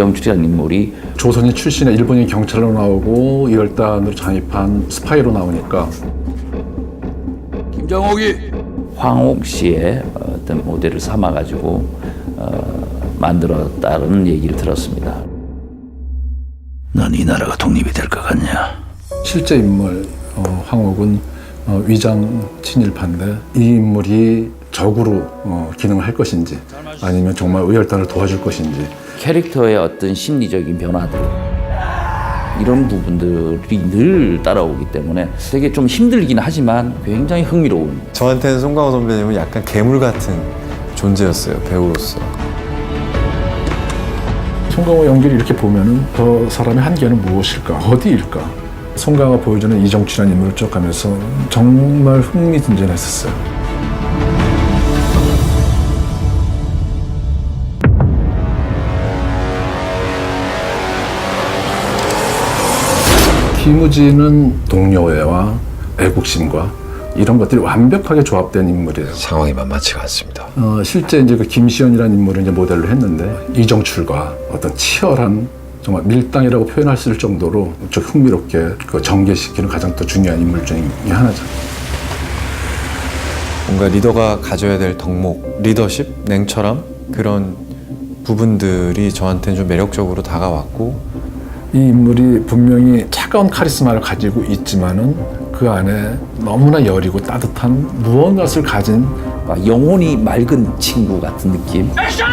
이정출이라는 인물이 조선인 출신의 일본인 경찰로 나오고 이열단으로 잠입한 스파이로 나오니까 김정옥이 황옥 씨의 어떤 모델을 삼아가지고 만들었다는 얘기를 들었습니다. 넌 이 나라가 독립이 될 것 같냐? 실제 인물 황옥은 위장 친일파인데 이 인물이 적으로 기능을 할 것인지 아니면 정말 의열단을 도와줄 것인지 캐릭터의 어떤 심리적인 변화들 이런 부분들이 늘 따라오기 때문에 되게 좀 힘들긴 하지만 굉장히 흥미로운. 저한테는 송강호 선배님은 약간 괴물 같은 존재였어요, 배우로서. 송강호 연기를 이렇게 보면은 저 사람의 한계는 무엇일까? 어디일까? 송강호가 보여주는 이정출이라는 인물을 쭉 가면서 정말 흥미진진했었어요. 김우진은 동료애와 애국심과 이런 것들이 완벽하게 조합된 인물이에요. 상황이 만만치가 않습니다. 실제 이제 그 김시연이라는 인물을 이제 모델로 했는데 이정출과 어떤 치열한 정말 밀당이라고 표현할 수 있을 정도로 좀 흥미롭게 그 전개시키는 가장 또 중요한 인물 중에 하나죠. 뭔가 리더가 가져야 될 덕목, 리더십, 냉철함 그런 부분들이 저한테는 좀 매력적으로 다가왔고 이 인물이 분명히 차가운 카리스마를 가지고 있지만은 그 안에 너무나 여리고 따뜻한 무언가를 가진 영혼이 맑은 친구 같은 느낌.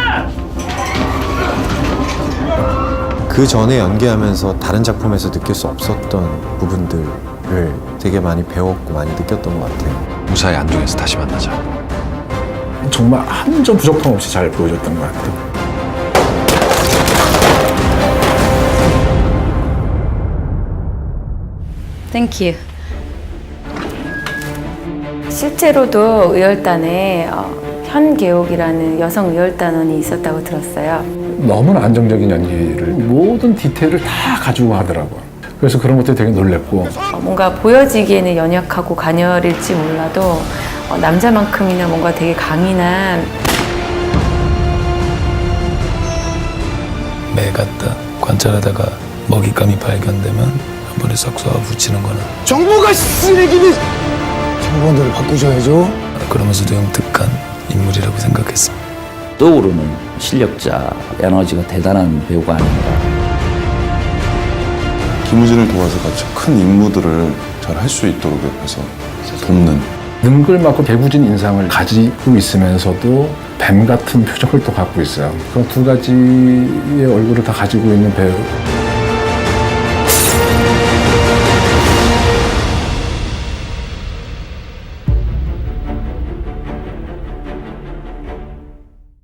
그 전에 연기하면서 다른 작품에서 느낄 수 없었던 부분들을 되게 많이 배웠고 많이 느꼈던 것 같아요. 무사히 안중에서 다시 만나자. 정말 한 점 부족함 없이 잘 보여줬던 것 같아요. Thank you. 실제로도 의열단에 현계옥이라는 여성 의열단원이 있었다고 들었어요. 너무나 안정적인 연기를 모든 디테일을 다 가지고 하더라고요. 그래서 그런 것들이 되게 놀랬고 뭔가 보여지기에는 연약하고 가녀릴지 몰라도 남자만큼이나 뭔가 되게 강인한 매 갖다 관찰하다가 먹잇감이 발견되면 한 번에 싹 쏘아 붙이는 거는 정부가 쓰레기니 정부원들을 바꾸셔야죠. 그러면서도 영특한 인물이라고 생각했습니다. 떠오르는 실력자, 에너지가 대단한 배우가 아닌가. 김우진을 도와서 같이 큰 임무들을 잘 할 수 있도록 옆에서 돕는 능글맞고 개구진 인상을 가지고 있으면서도 뱀 같은 표정을 또 갖고 있어요. 그런 두 가지의 얼굴을 다 가지고 있는 배우.